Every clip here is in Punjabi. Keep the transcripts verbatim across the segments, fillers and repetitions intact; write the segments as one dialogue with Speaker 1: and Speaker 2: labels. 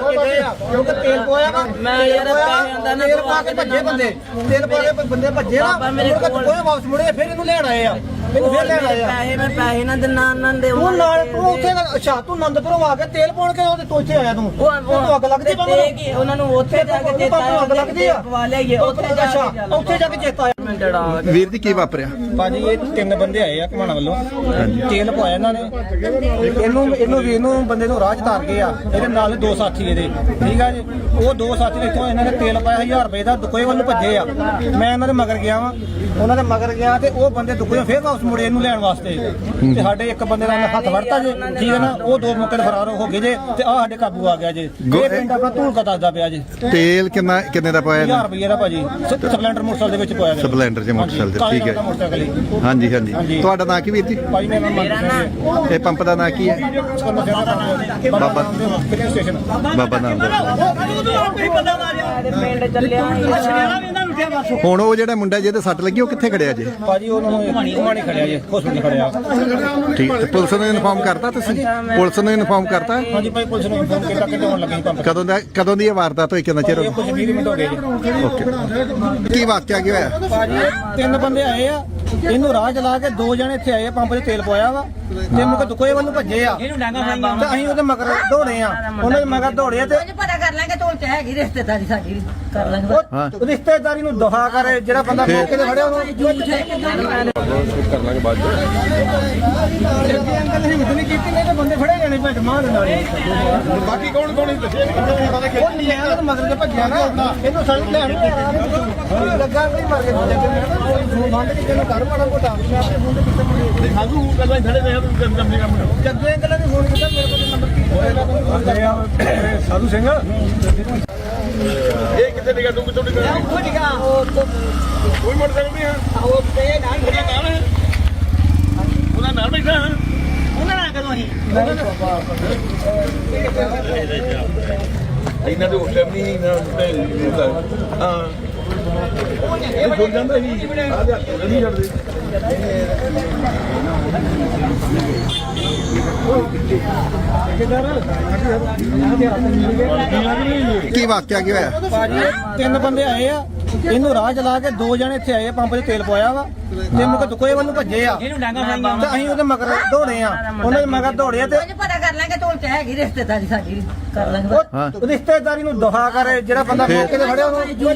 Speaker 1: ਮਾਰ ਕੇ ਗਏ ਆ ਕਿਉਂਕਿ ਤੇਲ ਪੋਇਆ ਵਾ
Speaker 2: ਮੈਂ ਯਾਰ ਪੈਸੇ ਆਂਦਾ ਨਾ
Speaker 1: ਤੇਲ ਪਾ ਕੇ ਭੱਜੇ ਬੰਦੇ ਤੇਲ ਪਾ ਕੇ ਬੰਦੇ ਭੱਜੇ ਨਾ ਮੇਰੇ ਕੋਲ ਕੋਈ ਵਾਪਸ ਮੁੜੇ ਫਿਰ ਇਹਨੂੰ ਲੈਣ ਆਏ ਆ ਮੈਨੂੰ ਫਿਰ ਲੈਣ ਆਏ ਆ
Speaker 2: ਪੈਸੇ ਮੈਂ ਪੈਸੇ ਨਾ ਦਿਨਾ ਨਾ ਦੇ
Speaker 1: ਤੂੰ ਨਾਲ ਤੂੰ ਉੱਥੇ ਅੱਛਾ ਤੂੰ ਆਨੰਦਪੁਰੋਂ ਆ ਕੇ ਤੇਲ ਪਾਉਣ ਕੇ ਉਹਦੇ ਤੋਂ ਇੱਥੇ ਆਇਆ ਤੂੰ ਤੂੰ ਅੱਗ ਲੱਗਦੀ ਬੰਦੇ
Speaker 2: ਕੀ ਉਹਨਾਂ ਨੂੰ ਉੱਥੇ ਜਾ ਕੇ ਚੇਤਾ
Speaker 1: ਅੱਗ ਲੱਗਦੀ ਆ
Speaker 2: ਪਵਾ ਲਿਆਈਏ ਉੱਥੇ ਜਾ
Speaker 1: ਅੱਛਾ ਉੱਥੇ ਜਾ ਕੇ ਚੇਤਾ ਆਇਆ
Speaker 3: ਵੀਰ ਜੀ ਕੀ ਵਾਪਰਿਆ?
Speaker 1: ਭਾਜੀ ਇਹ ਤਿੰਨ ਬੰਦੇ ਆਏ ਆ ਘਮਾਣਾ ਵੱਲੋਂ ਤੇਲ ਪਵਾਇਆ ਇਹਨਾਂ ਨੇ ਇਹਨੂੰ ਇਹਨੂੰ ਵੀ ਇਹਨੂੰ ਬੰਦੇ ਨੂੰ ਰਾਹ ਚ ਤਾਰ ਗਏ ਆ ਇਹਦੇ ਨਾਲ ਦੋ ਸਾਥੀ ਇਹਦੇ ਠੀਕ ਆ ਜੀ ਉਹ ਦੋ ਸਾਥੀ ਨੇ ਇੱਥੋਂ ਇਹਨਾਂ ਨੇ ਤੇਲ ਪਾਇਆ ਹਜ਼ਾਰ ਰੁਪਏ ਦਾ ਦੁਕੋਏ ਵੱਲ ਭੱਜੇ ਆ ਮੈਂ ਇਹਨਾਂ ਦੇ ਮਗਰ ਗਿਆ ਵਾਂ ਉਹਨਾਂ ਦੇ ਮਗਰ ਗਿਆ ਤੇ ਉਹ ਬੰਦੇ ਦੁਕੋਏ ਫੇਰ ਵਾਪਸ ਮੁੜੇ ਇਹਨੂੰ ਲੈਣ ਵਾਸਤੇ ਤੇ ਸਾਡੇ ਇੱਕ ਬੰਦੇ ਦਾ ਹੱਥ ਵੜਤਾ ਜੇ ਠੀਕ ਹੈ ਨਾ ਉਹ ਦੋ ਮੌਕੇ ਤੇ ਫਰਾਰ ਹੋ ਗਏ ਜੇ ਤੇ ਆ ਸਾਡੇ ਕਾਬੂ ਆ ਗਿਆ ਜੇ ਇਹ ਪਿੰਡ ਆਪਣਾ ਧੂਲਕਾ ਦੱਸਦਾ ਪਿਆ ਜੇ
Speaker 3: ਤੇਲ ਕਿੰਨਾ ਕਿੰਨੇ ਦਾ ਪਾਇਆ?
Speaker 1: ਹਜ਼ਾਰ ਰੁਪਏ ਦਾ ਭਾਜੀ ਸਪਲੈਂਡਰ ਮੋਟਰਸਾਈਕਲ ਦੇ ਵਿੱਚ ਪਾਇਆ ਗਿਆ
Speaker 3: ਸਪਲੈਂਡਰ ਚ ਮੋਟਰਸਾਈਕਲ ਤੇ ਠੀਕ ਹੈ ਹਾਂਜੀ ਹਾਂਜੀ ਤੁਹਾਡਾ ਨਾਂ ਕੀ ਵੀਰ ਜੀ?
Speaker 1: ਭਾਜੀ ਮੇਰਾ ਨਾਮ
Speaker 3: ਇਹ ਪੰਪ ਦਾ ਨਾਂ ਕੀ ਹੈ? ਬਾਬਾ
Speaker 1: ਸਟੇਸ਼ਨ
Speaker 3: ਬਾਬਾ ਨਾਮ
Speaker 2: ਪਿੰਡ ਚੱਲਿਆ
Speaker 3: ਹੁਣ ਉਹ ਜਿਹੜਾ ਮੁੰਡਾ ਜਿਹਦੇ ਸੱਟ ਲੱਗੀ ਉਹ ਕਿੱਥੇ ਖੜਿਆ ਜੇ?
Speaker 1: ਭਾਜੀ ਉਹਨਾਂ ਨੂੰ ਘੁਮਾਣੀ ਖੜਿਆ ਜੇ ਹਸਪੀਟਲ ਖੜਿਆ
Speaker 3: ਠੀਕ ਤੇ ਪੁਲਿਸ ਨੂੰ ਇਨਫਾਰਮ ਕਰਤਾ ਤੁਸੀਂ? ਪੁਲਿਸ ਨੂੰ ਇਨਫਾਰਮ ਕਰਤਾ?
Speaker 1: ਹਾਂਜੀ ਭਾਈ ਪੁਲਿਸ ਨੂੰ ਇਨਫੋਰਮ ਕੀਤਾ ਕਿ ਹੋਣ ਲੱਗੇ ਪੰਪ
Speaker 3: ਕਦੋਂ ਦਾ ਕਦੋਂ ਦੀ ਇਹ ਵਾਰਦਾਤ ਹੋਈ ਕਿੰਨਾ ਚਿਰ ਹੋ
Speaker 1: ਕੁਝ ਵੀਹ ਮਿੰਟ ਹੋ ਗਏ ਜੀ
Speaker 3: ਓਕੇ ਕੀ ਵਾਕਿਆ ਕੀ ਹੋਇਆ?
Speaker 1: ਭਾਜੀ ਤਿੰਨ ਬੰਦੇ ਆਏ ਆ ਇਹਨੂੰ ਰਾਹ ਚਲਾ ਕੇ ਦੋ ਜਣੇ ਇੱਥੇ ਆਏ ਆ ਪੰਪ 'ਚ ਤੇਲ ਪਵਾਇਆ ਵਾ ਤੇ ਮੁਕ ਦੁਕੋਏ ਵੱਲ ਭੱਜੇ ਆ ਤੇ ਅਸੀਂ ਉਹਦੇ ਮਗਰ ਦੌੜੇ ਆ ਉਹਨਾਂ ਦੇ ਮਗਰ ਦੌੜੇ ਤੇ
Speaker 2: ਪਤਾ ਕਰ ਲਾਂਗੇ ਤੋਲ ਚ ਹੈਗੀ ਰਿਸ਼ਤੇਦਾਰੀ ਸਾਡੀ ਕਰ ਲਾਂਗੇ
Speaker 1: ਉਹ ਰਿਸ਼ਤੇਦਾਰੀ ਨੂੰ ਦੁਹਾ ਕਰੇ ਜਿਹੜਾ ਬੰਦਾ ਮੌਕੇ ਤੇ ਫੜਿਆ ਉਹਨੂੰ
Speaker 4: ਕਰ ਲਾਂਗੇ ਬਾਅਦ
Speaker 1: ਜੱਗੇ ਅੰਕਲ ਨੇ ਹਿੰਮਤ ਨਹੀਂ ਕੀਤੀ ਨਹੀਂ ਤੇ ਬੰਦੇ ਫੜੇ ਜਾਣੇ ਭੱਜ ਮਾਰ ਦਿੰਦਾ
Speaker 4: ਬਾਕੀ ਕੌਣ ਕੌਣ ਦੱਸਿਆ
Speaker 1: ਉਹ ਨਹੀਂ ਆਇਆ ਤੇ ਮਗਰ ਤੇ ਭੱਜਿਆ ਨਾ ਇਹਨੂੰ ਸੜਕ ਲੈਣ ਲੱਗਾ ਨਹੀਂ ਮਰ ਕੇ ਜੱਗੇ ਬੰਦ ਕੇ ਕਿਹਨੂੰ ਘਰ ਮਾੜਾ ਮੋਟਾ ਮੈਂ ਆਪਣੇ ਫੋਨ ਤੇ ਕਿੱਥੇ ਮੁੰਡੇ
Speaker 4: ਸਾਧੂ ਗੱਲਾਂ ਖੜੇ ਰਹੇ ਕੰਮ ਕੰਮ ਕੰਮ
Speaker 1: ਜੱਗੇ ਅੰਕਲ ਨੇ ਫੋਨ ਕੀਤਾ ਮੇਰੇ ਕੋਲ ਨੰਬਰ ਕੀ ਹੋਏਗਾ
Speaker 4: ਸਾਧੂ ਸਿੰਘ ਇਹ ਕਿੱਥੇ ਨਿਕਾ ਤੂੰ ਕਿੱਥੋਂ ਨਿਕਾ ਕੋਈ ਮੋਟਰਸਾਈਕਲ ਨਹੀਂ ਹੈ
Speaker 2: ਉਹ ਤੇ ਨਾਲ
Speaker 4: ਉਹਦਾ ਨਾਮ ਹੈ ਉਹਦਾ ਨਾਮ ਬੈਠਾ ਹੈ
Speaker 2: ਉਹਨਾਂ ਨਾਲ ਕਦੋਂ ਹੀ
Speaker 4: ਇਹਨਾਂ ਦੇ ਉਸ ਟਾਈਮ ਨਹੀਂ ਇਹਨਾਂ ਹਾਂ ਇਹ ਛੋੜ ਜਾਂਦਾ ਸੀ ਆ ਜਾ ਨਹੀਂ ਛੱਡਦੇ
Speaker 3: ਕੀ ਵਾਕਿਆ ਕੀ ਹੋਇਆ?
Speaker 1: ਭਾਜੀ ਤਿੰਨ ਬੰਦੇ ਆਏ ਆ ਇਹਨੂੰ ਰਾਹ ਚਲਾ ਕੇ ਦੋ ਜਣੇ ਇੱਥੇ ਆਏ ਆ ਪੰਪ 'ਚ ਤੇਲ ਪਵਾਇਆ ਵਾ ਤੇ ਮੁਕ ਦੁਕੋਏ ਵੱਲ ਭੱਜੇ ਆ ਤੇ ਅਸੀਂ ਉਹਦੇ ਮਗਰ ਦੌੜੇ ਆ ਉਹਨਾਂ ਦੇ ਮਗਰ ਦੌੜੇ ਤੇ
Speaker 2: ਪਤਾ ਕਰ ਲਾਂਗੇ ਤੋਲ ਚ ਹੈਗੀ ਰਿਸ਼ਤੇਦਾਰੀ ਸਾਡੀ ਕਰ ਲਾਂਗੇ
Speaker 1: ਉਹ ਰਿਸ਼ਤੇਦਾਰੀ ਨੂੰ ਦੁਹਾ ਕਰੇ ਜਿਹੜਾ ਬੰਦਾ ਮੌਕੇ ਤੇ ਫੜਿਆ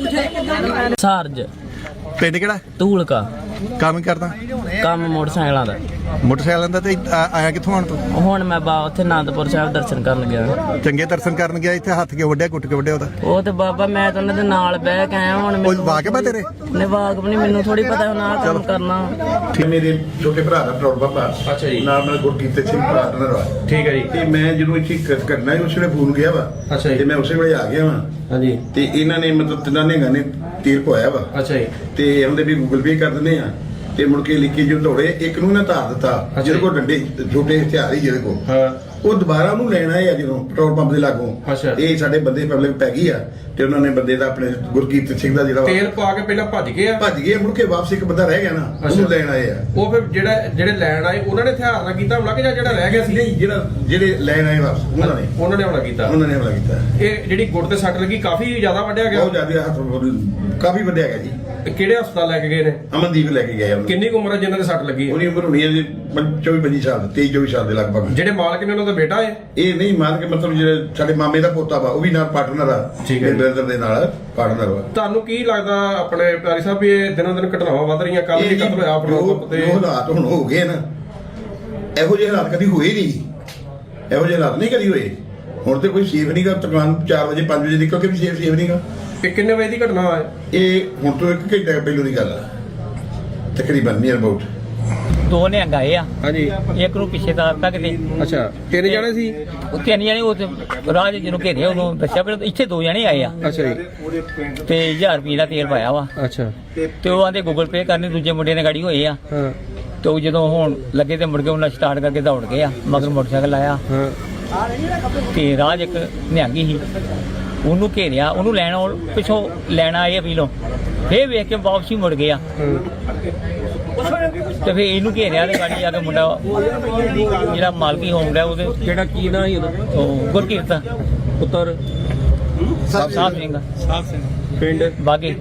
Speaker 1: ਉਹਨੂੰ
Speaker 2: ਸਾਰਜ
Speaker 3: ਪਿੰਡ ਕਿਹੜਾ?
Speaker 2: ਧੂਲਕਾ
Speaker 3: ਕੰਮ ਕਰਦਾ?
Speaker 2: ਕੰਮ ਮੋਟਰਸਾਈਕਲਾਂ ਦਾ
Speaker 3: ਮੋਟਰਸਾਈਕਲਾਂ ਦਾ ਤੇ ਆ- ਆਇਆ ਕਿੱਥੋਂ ਆਣ ਤੂੰ?
Speaker 2: ਹੁਣ ਮੈਂ ਬਾ ਉੱਥੇ ਆਨੰਦਪੁਰ ਸਾਹਿਬ ਦਰਸ਼ਨ ਕਰਨ ਗਿਆ
Speaker 3: ਚੰਗੇ ਦਰਸ਼ਨ ਕਰਨ ਗਿਆ ਇੱਥੇ ਹੱਥ ਕੇ ਵੱਢਿਆ ਕੁੱਟ ਕੇ ਵੱਢਿਆ ਉਹਦਾ
Speaker 2: ਉਹ ਤੇ ਬਾਬਾ ਮੈਂ ਤਾਂ ਉਹਨਾਂ ਦੇ ਨਾਲ ਬਹਿ ਕੇ ਆਇਆ ਹੁਣ
Speaker 3: ਉਹ ਵਾਕਿਆ ਤੇਰੇ?
Speaker 2: ਨੇ ਵਾਕਬ ਨਹੀਂ ਮੈਨੂੰ ਥੋੜੀ ਪਤਾ ਹੁਣ ਆਹ ਕੰਮ ਕਰਨਾ
Speaker 5: ਠੀਕ ਮੇਰੇ ਛੋਟੇ ਭਰਾ ਦਾ ਪੈਟਰੋਲ ਪੰਪ ਆ
Speaker 4: ਅੱਛਾ ਜੀ
Speaker 5: ਨਾਲ ਨਾਲ ਗੁਰਕੀਰਤ ਸਿੰਘ ਪਾਰਟਨਰ ਵਾ
Speaker 4: ਠੀਕ ਹੈ ਜੀ
Speaker 5: ਤੇ ਮੈਂ ਜਦੋਂ ਇੱਥੇ ਕ- ਕਰਨਾ ਸੀ ਉਸ ਵੇਲੇ ਫੋਨ ਗਿਆ ਵਾ
Speaker 4: ਅੱਛਾ ਜੀ।
Speaker 5: ਤੇ ਮੈਂ ਉਸੇ ਵੇਲੇ ਆ ਗਿਆ ਵਾ
Speaker 4: ਹਾਂਜੀ
Speaker 5: ਤੇ ਇਹਨਾਂ ਨੇ ਮਤਲਬ ਤਿੰਨਾਂ ਨੇ ਗਾਣੇ ਤੀਰ ਪਵਾਇਆ ਵਾ
Speaker 4: ਅੱਛਾ ਜੀ
Speaker 5: ਤੇ ਉਹਦੇ ਵੀ ਗੂਗਲ ਪੇ ਕਰ ਦਿੰਦੇ ਆ ਤੇ ਮੁੜ ਕੇ ਲਿਖੀ ਜੋ ਦੌੜੇ ਇੱਕ ਨੂੰ ਨਾ ਧਾਰ ਦਿੱਤਾ ਜਿਹਦੇ ਕੋਲ ਡੰਡੇ ਛੋਟੇ ਹਥਿਆਰ ਹੀ ਜਿਹਦੇ ਕੋਲ
Speaker 4: ਹਾਂ
Speaker 5: ਉਹ ਦੁਬਾਰਾ ਉਹਨੂੰ ਲੈਣ ਆਏ ਆ ਜਦੋਂ ਪੈਟਰੋਲ ਪੰਪ ਦੇ ਲਾਗੋਂ
Speaker 4: ਅੱਛਾ।
Speaker 5: ਇਹ ਸਾਡੇ ਬੰਦੇ ਪਬਲਿਕ ਪੈ ਗਈ ਆ ਤੇ ਉਹਨਾਂ ਨੇ ਬੰਦੇ ਦਾ ਆਪਣੇ ਗੁਰਕੀਰਤ ਸਿੰਘ ਦਾ ਜਿਹੜਾ ਵਾ
Speaker 4: ਤੇਲ ਪਾ ਕੇ ਪਹਿਲਾਂ ਭੱਜ ਗਏ ਆ
Speaker 5: ਭੱਜ ਗਏ ਮੁੜ ਕੇ ਵਾਪਸ ਇੱਕ ਬੰਦਾ ਰਹਿ ਗਿਆ ਨਾ ਉਹਨੂੰ ਲੈਣ ਆਏ ਆ
Speaker 4: ਉਹ ਫਿਰ ਜਿਹੜਾ ਜਿਹੜੇ ਲੈਣ ਆਏ ਉਹਨਾਂ ਨੇ ਹਥਿਆਰ ਨਾਲ ਕੀਤਾ ਹਮਲਾ ਕਿ ਜਾਂ ਜਿਹੜਾ ਰਹਿ ਗਿਆ ਸੀ
Speaker 5: ਨਹੀਂ ਜਿਹੜਾ ਜਿਹੜੇ ਲੈਣ ਆਏ ਵਾਪਸ ਉਹਨਾਂ ਨੇ
Speaker 4: ਉਹਨਾਂ ਨੇ ਹਮਲਾ ਕੀਤਾ
Speaker 5: ਉਹਨਾਂ ਨੇ ਹਮਲਾ ਕੀਤਾ
Speaker 4: ਇਹ ਜਿਹੜੀ ਗੁੱਟ ਤੇ ਸੱਟ ਲੱਗੀ ਕਾਫੀ ਜ਼ਿਆਦਾ ਵੱਢਿਆ ਗਿਆ
Speaker 5: ਬਹੁਤ ਜ਼ਿਆਦਾ ਹੱਥ ਕਾਫੀ ਵੱਡਿਆ ਗਿਆ ਜੀ
Speaker 4: ਇਹ ਕਿਹੜੇ ਹਸਪਤਾਲ ਲੈ ਕੇ ਗਏ ਨੇ
Speaker 5: ਅਮਨਦੀਪ ਲੈ ਕੇ ਗਏ ਉਹਨੂੰ
Speaker 4: ਕਿੰਨੀ ਕੁ ਉਮਰ ਹੈ ਜਿਨ੍ਹਾਂ ਦੇ ਸੱਟ ਲੱਗੀ ਹੈ
Speaker 5: ਉਹਦੀ ਉਮਰ ਹੋਣੀ ਹੈ ਜੀ ਚੌਵੀ ਪੱਚੀ ਸਾਲ ਤੇਈ ਚੌਵੀ ਸਾਲ ਦੇ ਲਗਭਗ
Speaker 4: ਜਿਹੜੇ ਮਾਲਕ ਨੇ ਉਹਨਾਂ ਦਾ ਬੇਟਾ ਹੈ
Speaker 5: ਇਹ ਨਹੀਂ ਮੰਨ ਕੇ ਮਤਲਬ ਜਿਹੜੇ ਸਾਡੇ ਮਾਮੇ ਦਾ ਪੋਤਾ ਵਾ ਉਹ ਵੀ ਨਾਲ ਪਾਰਟਨਰ ਆ
Speaker 4: ਠੀਕ ਹੈ।
Speaker 5: ਬ੍ਰਦਰ ਦੇ ਨਾਲ ਪਾਰਟਨਰ ਵਾ
Speaker 4: ਤੁਹਾਨੂੰ ਕੀ ਲੱਗਦਾ ਆਪਣੇ ਪਿਆਰੀ ਸਾਹਿਬ ਵੀ ਇਹ ਦਿਨੋਂ ਦਿਨ ਘਟਨਾਵਾਂ ਵੱਧ ਰਹੀਆਂ ਕੱਲ ਵੀ ਕਤਲ ਹੋਇਆ ਪੈਟਰੋਲ ਪੰਪ ਤੇ
Speaker 5: ਜੋ ਹਾਲਾਤ ਹੁਣ ਹੋ ਗਏ ਨਾ ਇਹੋ ਜਿਹੇ ਹਾਲਾਤ ਕਦੀ ਹੋਏ ਨਹੀਂ ਇਹੋ ਜਿਹੇ ਹਾਲਾਤ ਨਹੀਂ ਕਦੀ ਹੋਏ ਹੁਣ ਤੇ ਕੋਈ ਸੇਫ ਨਹੀਂਗਾ ਦੁਕਾਨ ਚਾਰ ਵਜੇ ਪੰਜ ਵਜੇ ਨਿਕਲ ਕੇ ਵੀ ਸੇਫ ਸੇਫ ਨਹੀਂਗਾ
Speaker 4: ਇਹ ਕਿੰਨੇ ਵਜੇ ਦੀ ਘਟਨਾ ਹੈ
Speaker 5: ਇਹ ਹੁਣ ਤੋਂ ਇੱਕ ਘੰਟੇ ਪਹਿਲੋਂ ਦੀ ਗੱਲ ਆ ਤਕਰੀਬਨ ਨੀਅਰ ਅਬਾਊਟ
Speaker 6: ਦੋ ਨੇ ਗਏ ਆ
Speaker 4: ਹਾਂਜੀ
Speaker 6: ਇੱਕ ਨੂੰ ਪਿੱਛੇ ਦਾ ਤੱਕ ਦੇ
Speaker 4: ਅੱਛਾ ਤਿੰਨ ਜਾਣੇ ਸੀ
Speaker 6: ਉਹ ਤਿੰਨ ਜਣੇ ਉਹ ਤੇ ਰਾਹ 'ਚ ਜਿਹਨੂੰ ਘੇਰਿਆ ਉਹਨੂੰ ਦੱਸਿਆ ਪਰ ਇੱਥੇ ਦੋ ਜਣੇ ਆਏ ਆ
Speaker 4: ਅੱਛਾ ਜੀ
Speaker 6: ਤੇ ਹਜ਼ਾਰ ਰੁਪਏ ਦਾ ਤੇਲ ਪਾਇਆ ਵਾ
Speaker 4: ਅੱਛਾ
Speaker 6: ਤੇ ਉਹ ਆਂਦੇ ਗੂਗਲ ਪੇ ਕਰਨੀ ਦੂਜੇ ਮੁੰਡੇ ਨੇ ਗਾੜੀ ਹੋਏ ਆ
Speaker 4: ਹਾਂ
Speaker 6: ਤੇ ਉਹ ਜਦੋਂ ਹੁਣ ਲੱਗੇ ਤੇ ਮੁੜ ਕੇ ਉਹਨਾਂ ਸਟਾਰਟ ਕਰਕੇ ਦੌੜ ਗਏ ਆ ਮਗਰ ਮੋਟਰਸਾਈਕਲ ਆਇਆ
Speaker 4: ਹਾਂ
Speaker 6: ਤੇ ਰਾਹ 'ਚ ਇੱਕ ਨਿਹੰਗੀ ਸੀ ਉਹਨੂੰ ਘੇਰਿਆ ਉਹਨੂੰ ਲੈਣ ਆਉਣ- ਪਿੱਛੋਂ ਲੈਣ ਆਏ ਆ ਪੀਲੋਂ ਫੇਰ ਵੇਖ ਕੇ ਵਾਪਸ ਹੀ ਮੁੜ ਗਏ ਆ ਤੇ ਫੇਰ ਇਹਨੂੰ ਘੇਰਿਆ ਤੇ ਗਾੜੀ ਜਾ ਕੇ ਮੁੰਡਾ ਜਿਹੜਾ ਮਾਲਕੀ ਹੋਮ ਰਿਹਾ ਉਹਦੇ
Speaker 4: ਜਿਹੜਾ ਕੀ ਨਾ ਸੀ ਉਹਦਾ
Speaker 6: ਉਹ ਗੁਰਕੀਰਤ
Speaker 4: ਪੁੱਤਰ
Speaker 6: ਸਾਹਿਬ ਸਿੰਘ
Speaker 4: ਪਿੰਡ
Speaker 6: ਬਾਗੇ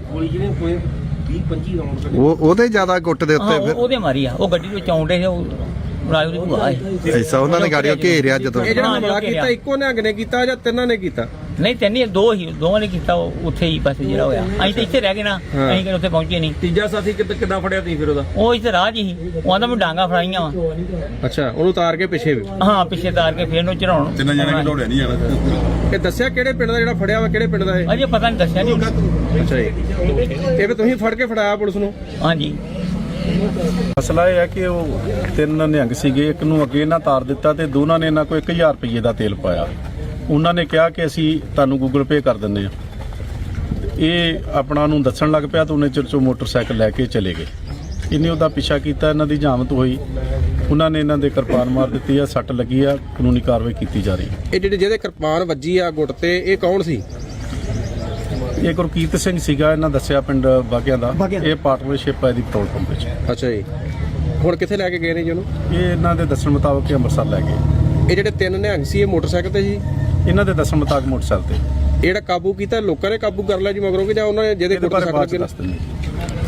Speaker 3: ਉਹ ਉਹਦੇ ਜ਼ਿਆਦਾ ਗੁੱਟ ਦੇ
Speaker 6: ਹਾਂ
Speaker 3: ਉੱਤੇ
Speaker 6: ਉਹ-
Speaker 3: ਫਿਰ
Speaker 6: ਉਹਦੇ ਮਾਰੀ ਆ ਉਹ ਗੱਡੀ ਵਿੱਚ ਆਉਂਦੇ ਸੀ ਉਹ ਰਾਜੂ ਦੀ ਭੂਆ ਹੈ
Speaker 3: ਐਸਾ ਉਹਨਾਂ ਨੇ ਗਾੜੀਆਂ ਘੇਰਿਆ ਜਦੋਂ
Speaker 4: ਇਹ ਜਿਹੜਾ
Speaker 6: ਹਾਂ,
Speaker 4: ਹਮਲਾ
Speaker 6: ਜੋ
Speaker 4: ਕੀਤਾ ਇੱਕੋ ਨਿਹੰਗ ਨੇ ਕੀਤਾ ਜਾਂ ਤਿੰਨਾਂ ਨੇ ਕੀਤਾ?
Speaker 6: ਨਹੀਂ ਤੈਨੂੰ ਦੋ ਹੀ ਦੋਵਾਂ ਨੇ ਕੀਤਾ ਉਹ ਉੱਥੇ ਹੀ ਬਸ ਜਿਹੜਾ ਹੋਇਆ ਅਸੀਂ ਤਾਂ ਇੱਥੇ ਰਹਿ ਗਏ ਨਾ ਅਸੀਂ ਕਿਹੜੇ ਉੱਥੇ ਪਹੁੰਚੇ ਨਹੀਂ
Speaker 4: ਤੀਜਾ ਸਾਥੀ ਕਿੱਦਾਂ ਕਿੱਦਾਂ ਫੜਿਆ ਤੁਸੀਂ ਫਿਰ ਉਹਦਾ?
Speaker 6: ਉਹ ਇੱਥੇ ਰਾਹ 'ਚ ਹੀ ਉਹ ਆਂਦਾ ਮੈਂ ਡਾਂਗਾ ਫੜਾਈਆਂ ਵਾ
Speaker 4: ਅੱਛਾ, ਉਹਨੂੰ ਉਤਾਰ ਕੇ ਪਿੱਛੇ ਵੀ।
Speaker 6: ਹਾਂ ਪਿੱਛੇ ਤਾਰ ਕੇ ਫੇਰ ਨੂੰ ਚੜਾਉਣ
Speaker 5: ਤਿੰਨ ਜਣੇ ਕਿ ਦੌੜਿਆ ਨਹੀਂ ਜਾਣਾ।
Speaker 4: ਇਹ ਦੱਸਿਆ ਕਿਹੜੇ ਪਿੰਡ ਦਾ ਜਿਹੜਾ ਫੜਿਆ ਵਾ, ਕਿਹੜੇ ਪਿੰਡ ਦਾ ਇਹ?
Speaker 6: ਅਜੇ ਪਤਾ ਨਹੀਂ ਦੱਸਿਆ ਨਹੀਂ
Speaker 4: ਅੱਛਾ ਜੀ, ਇਹ ਵੀ ਤੁਸੀਂ ਫੜ ਕੇ ਫੜਾਇਆ ਪੁਲਿਸ ਨੂੰ?
Speaker 6: ਹਾਂਜੀ
Speaker 7: ਮਸਲਾ ਇਹ ਹੈ ਕਿ ਉਹ ਤਿੰਨ ਨਿਹੰਗ ਸੀਗੇ, ਇੱਕ ਨੂੰ ਅੱਗੇ ਇਹਨਾਂ ਤਾਰ ਦਿੱਤਾ ਤੇ ਦੋਨਾਂ ਨੇ ਇਹਨਾਂ ਕੋਲ ਇੱਕ ਹਜ਼ਾਰ ਰੁਪਏ ਦਾ ਤੇਲ ਪਾਇਆ। ਉਹਨਾਂ ਨੇ ਕਿਹਾ ਕਿ ਅਸੀਂ ਤੁਹਾਨੂੰ ਗੂਗਲ ਪੇ ਕਰ ਦਿੰਦੇ ਹਾਂ। ਇਹ ਆਪਣਾ ਨੂੰ ਦੱਸਣ ਲੱਗ ਪਿਆ ਤਾਂ ਉਹਨੇ ਚਿਰ 'ਚੋਂ ਮੋਟਰਸਾਈਕਲ ਲੈ ਕੇ ਚਲੇ ਗਏ। ਇਹਨੇ ਉਹਦਾ ਪਿੱਛਾ ਕੀਤਾ, ਇਹਨਾਂ ਦੀ ਜਾਮਤ ਹੋਈ, ਉਹਨਾਂ ਨੇ ਇਹਨਾਂ ਦੇ ਕਿਰਪਾਨ ਮਾਰ ਦਿੱਤੀ ਆ, ਸੱਟ ਲੱਗੀ ਆ, ਕਾਨੂੰਨੀ ਕਾਰਵਾਈ ਕੀਤੀ ਜਾ ਰਹੀ ਹੈ।
Speaker 4: ਇਹ ਜਿਹੜੇ ਜਿਹਦੇ ਕਿਰਪਾਨ ਵੱਜੀ ਆ ਗੁੱਟ ਤੇ, ਇਹ ਕੌਣ ਸੀ?
Speaker 7: ਇਹ ਗੁਰਕੀਰਤ ਸਿੰਘ ਸੀਗਾ, ਇਹਨਾਂ ਦੱਸਿਆ ਪਿੰਡ ਬਾਗਿਆਂ ਦਾ। ਇਹ ਪਾਰਟਨਰਸ਼ਿਪ ਹੈ ਦੀ ਪੈਟਰੋਲ ਪੰਪ ਵਿੱਚ।
Speaker 4: ਅੱਛਾ ਜੀ, ਹੁਣ ਕਿੱਥੇ ਲੈ ਕੇ ਗਏ ਨੇ ਜੀ ਉਹਨੂੰ?
Speaker 7: ਇਹ ਇਹਨਾਂ ਦੇ ਦੱਸਣ ਮੁਤਾਬਕ ਇਹ ਅੰਮ੍ਰਿਤਸਰ ਲੈ ਗਏ।
Speaker 4: ਇਹ ਜਿਹੜੇ ਤਿੰਨ ਨਿਹੰਗ ਸੀ ਇਹ ਮੋਟਰਸਾਈਕਲ ਤੇ ਸੀ?
Speaker 7: ਇਹਨਾਂ ਦੇ ਦੱਸਣ ਮੁਤਾਬਕ ਮੋਟਰਸਾਈਕਲ ਤੇ।
Speaker 4: ਇਹ ਜਿਹੜਾ ਕਾਬੂ ਕੀਤਾ ਲੋਕਾਂ ਨੇ ਕਾਬੂ ਕਰ ਲਿਆ ਜੀ ਮਗਰੋਂ ਕਿ ਜਾਂ ਉਹਨਾਂ ਨੇ ਜਿਹਦੇ
Speaker 7: ਇਹਦੇ
Speaker 4: ਗੁੱਟ
Speaker 7: ਬਾਰੇ
Speaker 4: ਸੱਟ
Speaker 7: ਬਾਅਦ ਚ
Speaker 4: ਲੱਗੀ?
Speaker 7: ਦੱਸ ਦਿੰਦੇ।